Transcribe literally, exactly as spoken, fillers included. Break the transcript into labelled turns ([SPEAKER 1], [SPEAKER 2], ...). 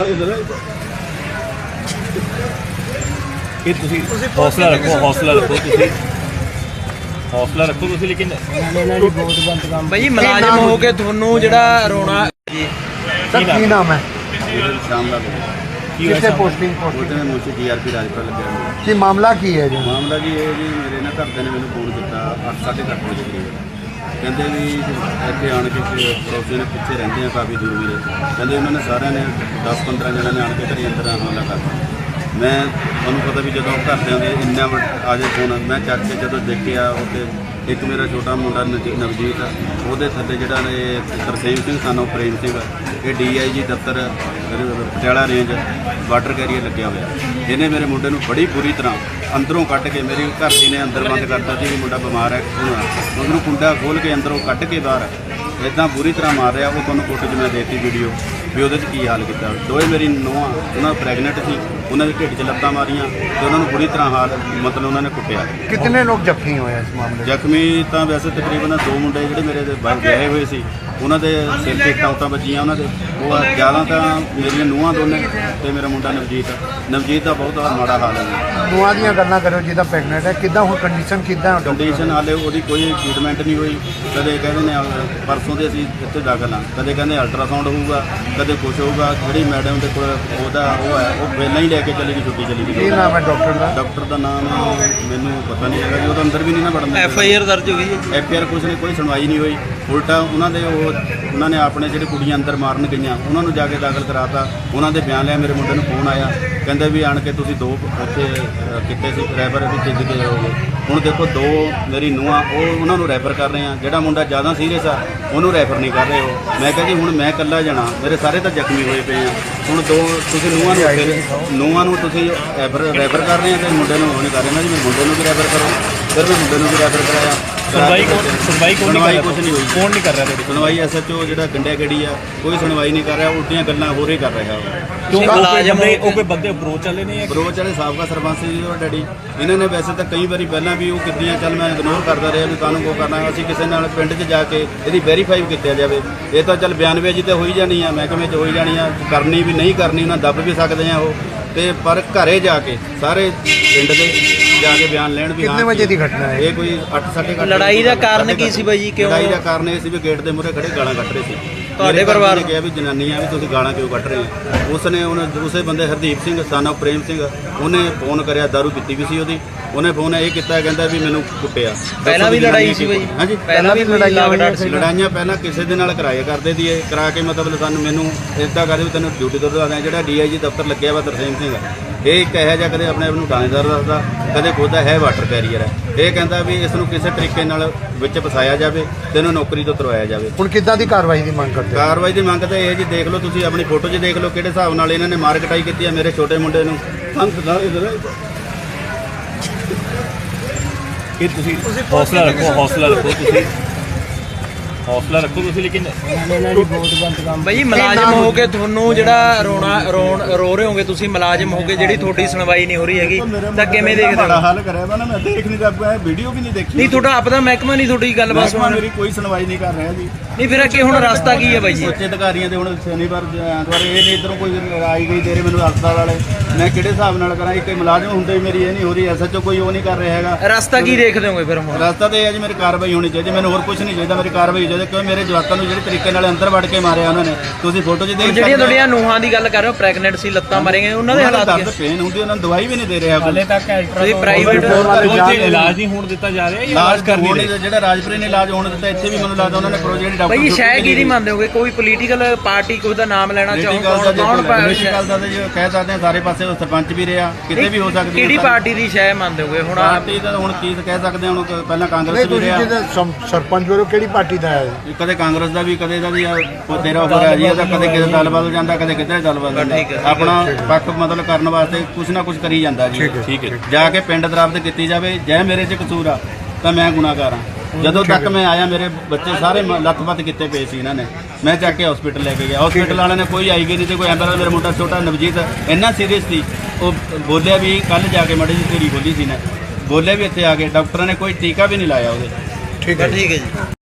[SPEAKER 1] ਇਹ ਤੁਸੀਂ ਹੌਸਲਾ ਰੱਖੋ ਹੌਸਲਾ ਰੱਖੋ ਤੁਸੀਂ ਹੌਸਲਾ ਰੱਖੋ ਤੁਸੀਂ ਲੇਕਿਨ
[SPEAKER 2] ਭਾਈ ਮੁਲਾਜ਼ਮ ਹੋ ਕੇ ਤੁਹਾਨੂੰ ਜਿਹੜਾ ਰੋਣਾ ਜੀ
[SPEAKER 3] ਸਰ ਕੀ ਨਾਮ ਹੈ
[SPEAKER 4] ਸ਼ਾਮ ਦਾ
[SPEAKER 3] ਕਿੱਥੇ ਪੋਸਟਿੰਗ
[SPEAKER 4] ਉਹਦੇ ਨੇ ਮੁੱਛੀ ਡੀਆਰਪੀ ਰਾਜਪੁਰ ਲੱਗਿਆ ਹੋਇਆ।
[SPEAKER 3] ਕੀ ਮਾਮਲਾ ਕੀ ਹੈ ਜੀ
[SPEAKER 4] ਮਾਮਲਾ ਜੀ ਇਹ ਜੀ ਮੇਰੇ ਨਾਲ ਘਰਦਿਆਂ ਨੇ ਮੈਨੂੰ ਫੋਨ ਕੀਤਾ ਅੱਠ ਸਾਢੇ ਕੁ ਅੱਠ ਵਜੇ ਕਰੀਬ। ਕਹਿੰਦੇ ਵੀ ਇੱਥੇ ਆਣ ਕੇ ਪੜੋਸੀ ਨੇ ਪਿੱਛੇ ਰਹਿੰਦੇ ਆ ਕਾਫੀ ਦੂਰ ਵੀਰੇ। ਕਹਿੰਦੇ ਉਹਨਾਂ ਨੇ ਸਾਰਿਆਂ ਨੇ ਦਸ ਪੰਦਰਾਂ ਜਣਿਆਂ ਨੇ ਆਣ ਕੇ ਘਰੇ ਅੰਦਰ ਹਮਲਾ ਕਰਤਾ। ਮੈਂ ਤੁਹਾਨੂੰ ਪਤਾ ਵੀ ਜਦੋਂ ਘਰਦਿਆਂ ਦੇ ਇੰਨਾ ਆ ਜੇ ਫੋਨ ਮੈਂ ਚੱਕ ਕੇ ਜਦੋਂ ਦੇਖਿਆ ਉੱਥੇ ਇੱਕ ਮੇਰਾ ਛੋਟਾ ਮੁੰਡਾ ਨਵ- ਨਵਜੀਤ ਉਹਦੇ ਥੱਲੇ ਜਿਹੜਾ ਨੇ ਤਰਸੇਮ ਸਿੰਘ ਸਾਨੂੰ ਪ੍ਰੇਮ ਸਿੰਘ ਇਹ ਡੀ ਆਈ ਜੀ ਦਫ਼ਤਰ ਪਟਿਆਲਾ ਰੇਂਜ ਵਾਟਰ ਕੈਰੀਅਰ ਲੱਗਿਆ ਹੋਇਆ। ਇਹਨੇ ਮੇਰੇ ਮੁੰਡੇ ਨੂੰ ਬੜੀ ਬੁਰੀ ਤਰ੍ਹਾਂ ਅੰਦਰੋਂ ਕੱਢ ਕੇ ਮੇਰੀ ਘਰ ਦੀ ਨੇ ਅੰਦਰ ਬੰਦ ਕਰਤਾ ਸੀ ਵੀ ਮੁੰਡਾ ਬਿਮਾਰ ਹੈ ਉਹਨੂੰ ਕੁੰਡਾ ਖੋਲ੍ਹ ਕੇ ਅੰਦਰੋਂ ਕੱਢ ਕੇ ਬਾਹਰ ਇੱਦਾਂ ਬੁਰੀ ਤਰ੍ਹਾਂ ਮਾਰ ਰਿਹਾ। ਉਹ ਤੁਹਾਨੂੰ ਫੋਟੋ 'ਚ ਮੈਂ ਦੇਤੀ ਵੀਡੀਓ ਵੀ ਉਹਦੇ 'ਚ ਕੀ ਹਾਲ ਕੀਤਾ। ਦੋਵੇਂ ਮੇਰੀ ਨੂੰਹਾਂ ਉਹਨਾਂ ਪ੍ਰੈਗਨੈਂਟ ਸੀ ਉਹਨਾਂ ਦੇ ਢਿੱਡ 'ਚ ਲੱਤਾਂ ਮਾਰੀਆਂ ਤੇ ਉਹਨਾਂ ਨੂੰ ਬੁਰੀ ਤਰ੍ਹਾਂ ਹਾਲ ਮਤਲਬ ਉਹਨਾਂ ਨੇ ਕੁੱਟਿਆ।
[SPEAKER 3] ਕਿੰਨੇ ਲੋਕ ਜ਼ਖਮੀ ਹੋਏ ਇਸ ਮਾਮਲੇ 'ਚ?
[SPEAKER 4] ਜ਼ਖਮੀ ਤਾਂ ਵੈਸੇ ਤਕਰੀਬਨ ਦੋ ਮੁੰਡੇ ਜਿਹੜੇ ਮੇਰੇ ਦੇ ਬਾਹਰ ਗਏ ਹੋਏ ਸੀ ਉਹਨਾਂ ਦੇ ਸਿਰ 'ਤੇ ਟਾਂਟਾਂ ਵੱਜੀਆਂ ਉਹਨਾਂ ਦੇ। ਉਹ ਜ਼ਿਆਦਾ ਤਾਂ ਮੇਰੀਆਂ ਨੂੰਹਾਂ ਦੋਨੇ ਤੇ ਮੇਰਾ ਮੁੰਡਾ ਨਵਜੀਤ ਨਵਜੀਤ ਦਾ ਬਹੁਤ ਮਾੜਾ ਹਾਲ ਹੈ।
[SPEAKER 3] ਨੂੰਹਾਂ ਦੀਆਂ ਗੱਲਾਂ ਕਰੋ ਜਿਹਦਾ ਪ੍ਰੈਗਨੈਂਟ ਹੈ ਕਿੱਦਾਂ ਹੁਣ ਕੰਡੀਸ਼ਨ ਕਿੱਦਾਂ
[SPEAKER 4] ਕੰਡੀਸ਼ਨ ਹਾਲੇ ਉਹਦੀ ਕੋਈ ਟ੍ਰੀਟਮੈਂਟ ਨਹੀਂ ਹੋਈ। ਕਦੇ ਕਹਿੰਦੇ ਨੇ ਪਰਸੋਂ ਦੇ ਅਸੀਂ ਇੱਥੇ ਦਾਖਲ ਹਾਂ, ਕਦੇ ਕਹਿੰਦੇ ਅਲਟਰਾਸਾਊਂਡ ਹੋਊਗਾ, ਕਦੇ ਕੁਛ ਹੋਊਗਾ। ਜਿਹੜੀ ਮੈਡਮ ਦੇ ਕੋਲ ਉਹਦਾ ਉਹ ਹੈ ਉਹ ਪਹਿਲਾਂ ਹੀ ਲੈ ਕੇ ਚਲੀ ਗਈ, ਛੁੱਟੀ ਚਲੀ ਗਈ।
[SPEAKER 3] ਕੀ ਨਾਮ ਹੈ ਡਾਕਟਰ ਦਾ?
[SPEAKER 4] ਡਾਕਟਰ ਦਾ ਨਾਮ ਮੈਨੂੰ ਪਤਾ ਨਹੀਂ ਹੈਗਾ ਜੀ। ਉਹਦਾ ਅੰਦਰ ਵੀ ਨਹੀਂ ਨਾ ਵੜਨ
[SPEAKER 2] ਐਫ ਆਈ ਆਰ ਦਰਜ ਹੋਈ ਹੈ।
[SPEAKER 4] ਐਫ ਆਈ ਆਰ ਕੁਛ ਨਹੀਂ, ਕੋਈ ਸੁਣਵਾਈ ਨਹੀਂ ਹੋਈ। ਉਲਟਾ ਉਹਨਾਂ ਦੇ ਉਹ ਉਹਨਾਂ ਨੇ ਆਪਣੇ ਜਿਹੜੇ ਕੁੜੀਆਂ ਅੰਦਰ ਮਾਰਨ ਗਈਆਂ ਉਹਨਾਂ ਨੂੰ ਜਾ ਕੇ ਦਾਖਲ ਕਰਾਤਾ। ਉਹਨਾਂ ਦੇ ਬਿਆਨ ਲਿਆ। ਮੇਰੇ ਮੁੰਡੇ ਨੂੰ ਫੋਨ ਆਇਆ ਕਹਿੰਦੇ ਵੀ ਆਣ ਕੇ ਤੁਸੀਂ ਦੋ ਉੱਥੇ ਕਿਤੇ ਸੀ ਰੈਫਰ ਵੀ ਭੇਜ ਕੇ ਜਾਓਗੇ। ਹੁਣ ਦੇਖੋ ਦੋ ਮੇਰੀ ਨੂੰਹਾਂ ਉਹ ਉਹਨਾਂ ਨੂੰ ਰੈਫਰ ਕਰ ਰਹੇ ਆ। ਜਿਹੜਾ ਮੁੰਡਾ ਜ਼ਿਆਦਾ ਸੀਰੀਅਸ ਆ ਉਹਨੂੰ ਰੈਫਰ ਨਹੀਂ ਕਰ ਰਹੇ ਹੋ। ਮੈਂ ਕਿਹਾ ਜੀ ਹੁਣ ਮੈਂ ਇਕੱਲਾ ਜਾਣਾ, ਮੇਰੇ ਸਾਰੇ ਤਾਂ ਜ਼ਖਮੀ ਹੋਏ ਪਏ ਆ। ਹੁਣ ਦੋ ਤੁਸੀਂ ਨੂੰਹਾਂ ਨੂੰ ਫਿਰ ਨੂੰਹਾਂ ਨੂੰ ਤੁਸੀਂ ਰੈਫਰ ਰੈਫਰ ਕਰ ਰਹੇ ਆ ਤੇ ਮੁੰਡੇ ਨੂੰ ਉਹ ਨਹੀਂ ਕਰ ਰਹੇ ਨਾ ਜੀ। ਮੇਰੇ ਮੁੰਡੇ ਨੂੰ ਵੀ ਰੈਫਰ ਕਰੋ। ਫਿਰ ਮੈਂ ਮੁੰਡੇ ਨੂੰ ਵੀ ਰੈਫਰ ਕਰਾਇਆ।
[SPEAKER 1] ਸੁਣਵਾਈ ਕੌਣ ਸੁਣਵਾਈ ਕੌਣ ਨਹੀਂ ਕਰ ਰਿਹਾ?
[SPEAKER 4] ਕੁਛ ਨਹੀਂ ਹੋਈ।
[SPEAKER 1] ਕੌਣ ਨਹੀਂ ਕਰ ਰਿਹਾ ਤੁਹਾਡੀ
[SPEAKER 4] ਸੁਣਵਾਈ ਐਸ ਐਚ ਓ ਜਿਹੜਾ ਗੰਡਿਆ ਗੜੀ ਆ ਕੋਈ ਸੁਣਵਾਈ ਨਹੀਂ ਕਰ ਰਿਹਾ, ਉਲਟੀਆਂ ਗੱਲਾਂ ਹੋਰ ਹੀ ਕਰ ਰਿਹਾ।
[SPEAKER 1] ਕਿਉਂ ਮੁਲਾਜ਼ਮ ਨੇ ਉਹ ਕੋਈ ਬੰਦੇ ਅਪਰੋਚ ਵਾਲੇ ਨੇ?
[SPEAKER 4] ਬਰੋਚ ਵਾਲੇ ਸਾਬਕਾ ਸਰਪੰਚ ਜੀ ਉਹ ਡੈਡੀ ਇਹਨਾਂ ਨੇ ਵੈਸੇ ਤਾਂ ਕਈ ਵਾਰੀ ਪਹਿਲਾਂ ਵੀ ਉਹ ਕੀਤੀਆਂ, ਚੱਲ ਮੈਂ ਇਗਨੋਰ ਕਰਦਾ ਰਿਹਾ ਵੀ ਕਾਹਨੂੰ ਕੋ ਕਰਨਾ। ਅਸੀਂ ਕਿਸੇ ਨਾਲ ਪਿੰਡ 'ਚ ਜਾ ਕੇ ਇਹਦੀ ਵੈਰੀਫਾਈ ਕੀਤਾ ਜਾਵੇ। ਇਹ ਤਾਂ ਚੱਲ ਬਿਆਨਬਾਜ਼ੀ ਤੇ ਹੋਈ ਜਾਣੀ ਆ, ਮਹਿਕਮੇ 'ਚ ਹੋਈ ਜਾਣੀ ਆ, ਕਰਨੀ ਵੀ ਨਹੀਂ ਕਰਨੀ ਉਹਨਾਂ ਦੱਬ ਵੀ ਸਕਦੇ ਆ ਉਹ। ਤੇ ਪਰ ਘਰੇ ਜਾ ਕੇ ਸਾਰੇ ਪਿੰਡ ਦੇ ਜਾ ਕੇ ਬਿਆਨ ਲੈਣ ਵੀ
[SPEAKER 3] ਕਿੰਨੇ ਵਜੇ ਦੀ ਘਟਨਾ ਹੈ
[SPEAKER 4] ਇਹ? ਕੋਈ ਅੱਠ ਸਾਢੇ ਅੱਠ।
[SPEAKER 2] ਲੜਾਈ ਦਾ ਕਾਰਨ ਕੀ ਸੀ ਬਾਈ ਜੀ? ਕਿਉਂ
[SPEAKER 4] ਲੜਾਈ ਦਾ ਕਾਰਨ ਇਹ ਸੀ ਵੀ ਗੇਟ ਦੇ ਮੂਹਰੇ ਖੜੇ ਗਾਲਾਂ ਕੱਢ ਰਹੇ ਸੀ।
[SPEAKER 2] ਤੁਹਾਡੇ ਪਰਿਵਾਰ
[SPEAKER 4] ਨੇ ਕਿਹਾ ਵੀ ਜਨਾਨੀਆਂ ਵੀ ਤੁਸੀਂ ਗਾਲਾਂ ਕਿਉਂ ਕੱਢ ਰਹੇ ਹੋ। ਉਸ ਨੇ ਉਹਨੇ ਦੂਸਰੇ ਬੰਦੇ ਹਰਦੀਪ ਸਿੰਘ ਸਾਨਾ ਪ੍ਰੇਮ ਸਿੰਘ ਉਹਨੇ ਫੋਨ ਕਰਿਆ, ਦਾਰੂ ਪੀਤੀ ਵੀ ਸੀ ਉਹਦੀ। ਉਹਨੇ ਫੋਨ ਇਹ ਕੀਤਾ ਕਹਿੰਦਾ ਵੀ ਮੈਨੂੰ ਕੁੱਟਿਆ।
[SPEAKER 2] ਪਹਿਲਾਂ ਵੀ ਲੜਾਈ ਸੀ ਬਾਈ?
[SPEAKER 4] ਹਾਂਜੀ
[SPEAKER 2] ਪਹਿਲਾਂ ਵੀ ਲੜਾਈਆਂ ਹੋਈਆਂ ਸੀ?
[SPEAKER 4] ਲੜਾਈਆਂ ਪਹਿਲਾਂ ਕਿਸੇ ਦੇ ਨਾਲ ਕਰਾਏ ਕਰਦੇ ਦੀ ਇਹ ਕਰਾ ਕੇ ਮਤਲਬ ਸਾਨੂੰ ਮੈਨੂੰ ਇੱਦਾਂ ਕਰਦੇ ਵੀ ਤੈਨੂੰ ਡਿਊਟੀ ਤੋਂ ਦਵਾ ਦਿਆਂ। ਜਿਹੜਾ ਡੀ ਆਈ ਜੀ ਦਫ਼ਤਰ ਲੱਗਿਆ ਵਾ ਤਰਸੇਮ ਸਿੰਘ ਇਹ ਇੱਕ ਇਹੋ ਜਿਹਾ ਕਦੇ ਆਪਣੇ ਆਪ ਨੂੰ ਥਾਣੇਦਾਰ ਦੱਸਦਾ, ਕਦੇ ਖੁਦਾ ਹੈ ਵਾਟਰ ਕੈਰੀਅਰ ਹੈ। ਇਹ ਕਹਿੰਦਾ ਵੀ ਇਸ ਨੂੰ ਕਿਸੇ ਤਰੀਕੇ ਨਾਲ ਵਿੱਚ ਫਸਾਇਆ ਜਾਵੇ ਤੇ ਇਹਨੂੰ ਨੌਕਰੀ ਤੋਂ ਤੁਰਵਾਇਆ ਜਾਵੇ।
[SPEAKER 3] ਹੁਣ ਕਿੱਦਾਂ ਦੀ ਕਾਰਵਾਈ ਦੀ ਮੰਗ ਕਰਦੇ ਹੋ?
[SPEAKER 4] ਕਾਰਵਾਈ ਦੀ ਮੰਗ ਤਾਂ ਇਹ ਜੀ ਦੇਖ ਲਓ ਤੁਸੀਂ ਆਪਣੀ ਫੋਟੋ 'ਚ ਦੇਖ ਲਓ ਕਿਹੜੇ ਹਿਸਾਬ ਨਾਲ ਇਹਨਾਂ ਨੇ ਮਾਰ ਕਟਾਈ ਕੀਤੀ ਹੈ ਮੇਰੇ ਛੋਟੇ ਮੁੰਡੇ ਨੂੰ।
[SPEAKER 1] ਇਹ ਤੁਸੀਂ ਹੌਸਲਾ ਰੱਖੋ ਹੌਸਲਾ ਰੱਖੋ ਤੁਸੀਂ ਹੌਸਲਾ ਰੱਖੋ ਤੁਸੀਂ ਲੇਕਿਨ
[SPEAKER 2] ਭਾਈ ਮੁਲਾਜ਼ਮ ਹੋ ਕੇ ਤੁਹਾਨੂੰ ਜਿਹੜਾ ਰੋਣਾ ਰੋਣ ਰੋ ਰਹੇ ਹੋਗੇ ਤੁਸੀਂ ਮੁਲਾਜ਼ਮ ਹੋ ਕੇ, ਜਿਹੜੀ ਤੁਹਾਡੀ ਸੁਣਵਾਈ ਨਹੀਂ ਹੋ ਰਹੀ ਹੈਗੀ ਤਾਂ ਕਿਵੇਂ ਦੇਖਦੇ
[SPEAKER 4] ਬੜਾ
[SPEAKER 2] ਹੋ?
[SPEAKER 4] ਹਾਲ ਕਰਿਆ ਵਾ ਨਾ, ਮੈਂ ਦੇਖ ਨਹੀਂ ਰਿਹਾ, ਵੀਡੀਓ ਵੀ ਨਹੀਂ ਦੇਖੀ।
[SPEAKER 2] ਨਹੀਂ ਤੁਹਾਡਾ ਆਪਦਾ ਮਹਿਕਮਾ ਨਹੀਂ ਤੁਹਾਡੀ ਗੱਲਬਾਤ
[SPEAKER 4] ਮਹਿਕਮਾ
[SPEAKER 2] ਸੁਣ
[SPEAKER 4] ਮੇਰੀ ਕੋਈ ਸੁਣਵਾਈ ਨਹੀਂ ਕਰ ਰਿਹਾ ਜੀ।
[SPEAKER 2] ਨਹੀਂ ਫਿਰ ਅੱਗੇ ਹੁਣ ਰਸਤਾ ਕੀ ਹੈ ਬਾਈ ਜੀ?
[SPEAKER 4] ਉੱਚ ਅਧਿਕਾਰੀਆਂ ਦੇ ਹੁਣ ਸ਼ਨੀਵਾਰ ਐਤਵਾਰ ਇਹ ਨਹੀਂ ਇੱਧਰੋਂ ਕੋਈ ਆਈ ਗਈ ਦੇ ਰਹੇ ਮੈਨੂੰ ਹਸਪਤਾਲ ਵਾਲੇ। ਮੈਂ ਕਿਹੜੇ ਹਿਸਾਬ ਨਾਲ ਕਰਾਂ? ਇੱਕ ਮੁਲਾਜ਼ਮ ਹੁੰਦੇ ਵੀ ਮੇਰੀ ਇਹ ਨਹੀਂ ਹੋ ਰਹੀ, ਐਸ ਐਚ ਓ ਕੋਈ ਉਹ ਨਹੀਂ ਕਰ ਰਿਹਾ ਹੈਗਾ।
[SPEAKER 2] ਰਸਤਾ ਕੀ ਦੇਖਦੇ ਹੋਗੇ ਫਿਰ ਹੁਣ?
[SPEAKER 4] ਰਸਤਾ ਤੇ ਇਹ ਹੈ ਜੀ ਮੇਰੀ ਕਾਰਵਾਈ ਹੋਣੀ ਚਾਹੀਦੀ। ਮੈਨੂੰ ਹੋਰ ਕੁਝ ਨਹੀਂ ਚਾਹੀਦਾ, ਮੇਰੀ ਕਾਰਵਾਈ ਚਾਹੀਦੀ। ਕਿਉਂ ਮੇਰੇ ਜਵਾਕਾਂ ਨੂੰ ਜਿਹੜੇ ਤਰੀਕੇ ਨਾਲ ਅੰਦਰ ਵੜ ਕੇ ਮਾਰਿਆ ਉਹਨਾਂ ਨੇ, ਤੁਸੀਂ ਫੋਟੋ 'ਚ ਦੇਖ ਸਕਦੇ ਹੋ।
[SPEAKER 2] ਜਿਹੜੀਆਂ ਤੁਹਾਡੀਆਂ ਨੂੰਹਾਂ ਦੀ ਗੱਲ ਕਰ ਰਹੇ ਹੋ ਪ੍ਰੈਗਨੈਂਟ ਸੀ, ਲੱਤਾਂ ਮਾਰੀਆਂ, ਉਹਨਾਂ ਦੇ ਹਾਲਾਤ
[SPEAKER 4] ਦਰਦ ਪੇਨ ਹੁੰਦੀ, ਉਹਨਾਂ ਨੂੰ ਦਵਾਈ ਵੀ ਨਹੀਂ ਦੇ ਰਿਹਾ ਹਾਲੇ ਤੱਕ।
[SPEAKER 2] ਤੁਸੀਂ ਪ੍ਰਾਈਵੇਟ
[SPEAKER 1] ਇਲਾਜ ਨਹੀਂ ਹੋਣ ਦਿੱਤਾ ਜਾ ਰਿਹਾ?
[SPEAKER 4] ਇਲਾਜ ਕਰ ਨਹੀਂ ਰਹੇ। ਜਿਹੜਾ ਰਾਜਪੁਰੇ ਨੇ ਇਲਾਜ ਹੋਣ ਦਿੱਤਾ, ਇੱਥੇ ਵੀ ਮੈਨੂੰ ਲੱਗਦਾ ਉਹਨਾਂ ਨੇ ਪ੍ਰੋਜੈਕਟ ਡਾਕਟਰ
[SPEAKER 2] ਭਾਈ ਸ਼ਾਇਦ ਕੀ ਨਹੀਂ ਮੰਨਦੇ ਹੋਗੇ? ਕੋਈ ਪੋਲੀਟੀਕਲ ਪਾਰਟੀ ਕੋਈ ਦਾ ਨਾਮ ਲੈਣਾ ਚਾਹੋ ਕੌਣ ਕੌਣ
[SPEAKER 4] ਪੋਲੀਟੀਕਲ ਦਾ ਜੇ ਕਹਿ ਸਕਦੇ ਆ, ਸਾਰੇ ਪਾਸੇ ਉਹ ਸਰਪੰਚ ਵੀ ਰਿਹਾ, ਕਿਤੇ ਵੀ ਹੋ ਸਕਦੀ
[SPEAKER 2] ਕਿਹੜੀ ਪਾਰਟੀ ਦੀ ਸ਼ਾਇਦ ਮੰਨਦੇ ਹੋਗੇ ਹੁਣ?
[SPEAKER 4] ਪਾਰਟੀ ਦਾ ਹੁਣ ਕੀ ਕਹਿ ਸਕਦੇ ਹਾਂ। ਹੁਣ ਪਹਿਲਾਂ ਕਾਂਗਰਸ
[SPEAKER 3] ਨਹੀਂ
[SPEAKER 4] ਵੀ
[SPEAKER 3] ਤੁਸੀਂ
[SPEAKER 4] ਰਿਹਾ,
[SPEAKER 3] ਜਿਹਦੇ ਸਮ- ਸਰਪੰਚ ਵੱਲੋਂ ਕਿਹੜੀ ਪਾਰਟੀ ਦਾ ਹੈ?
[SPEAKER 4] ਕਦੇ ਕਾਂਗਰਸ ਦਾ ਵੀ ਕਦੇ ਦਾ ਵੀ ਤੇਰਾ ਹੋ ਰਿਹਾ ਜੀ। ਇਹਦਾ ਕਦੇ ਕਿਤੇ ਦਲ ਬਦਲ ਜਾਂਦਾ, ਕਦੇ ਕਿਤੇ ਦਲ ਬਦਲ ਜਾਂਦਾ। ਆਪਣਾ ਪੱਖ ਮਤਲਬ ਕਰਨ ਵਾਸਤੇ ਕੁਛ ਨਾ ਕੁਛ ਕਰੀ ਜਾਂਦਾ ਜੀ। ਠੀਕ ਹੈ, ਜਾ ਕੇ ਪਿੰਡ ਦਰਾਬਤ ਕੀਤੀ ਜਾਵੇ। ਜੇ ਮੇਰੇ 'ਚ ਕਸੂਰ ਆ ਤਾਂ ਮੈਂ ਗੁਨਾਹਗਾਰ ਹਾਂ। ਜਦੋਂ ਤੱਕ ਮੈਂ ਆਇਆ ਮੇਰੇ ਬੱਚੇ ਸਾਰੇ ਲੱਤ-ਪੱਤ ਕੀਤੇ ਪਏ ਸੀ ਇਹਨਾਂ ਨੇ। ਮੈਂ ਚੱਕ ਕੇ ਹਸਪੀਟਲ ਲੈ ਕੇ ਗਿਆ, ਹਸਪੀਟਲ ਵਾਲਿਆਂ ਨੇ ਕੋਈ ਆਈ ਗਈ ਨਹੀਂ ਤੇ ਕੋਈ ਐਂਬੂਲੈਂਸ। ਮੇਰਾ ਮੁੰਡਾ ਛੋਟਾ ਨਵਜੀਤ ਇੰਨਾ ਸੀਰੀਅਸ ਸੀ, ਉਹ ਬੋਲਿਆ ਵੀ ਕੱਲ ਜਾ ਕੇ ਮੜੀ ਜਿਹੀ ਢੇਰੀ ਖੋਲੀ ਸੀ ਨੇ, ਬੋਲਿਆ ਵੀ ਇੱਥੇ ਆ ਕੇ ਡਾਕਟਰਾਂ ਨੇ ਕੋਈ ਟੀਕਾ ਵੀ ਨਹੀਂ ਲਾਇਆ ਉਹਦੇ।
[SPEAKER 3] ਠੀਕ ਹੈ
[SPEAKER 2] ਠੀਕ ਹੈ ਜੀ।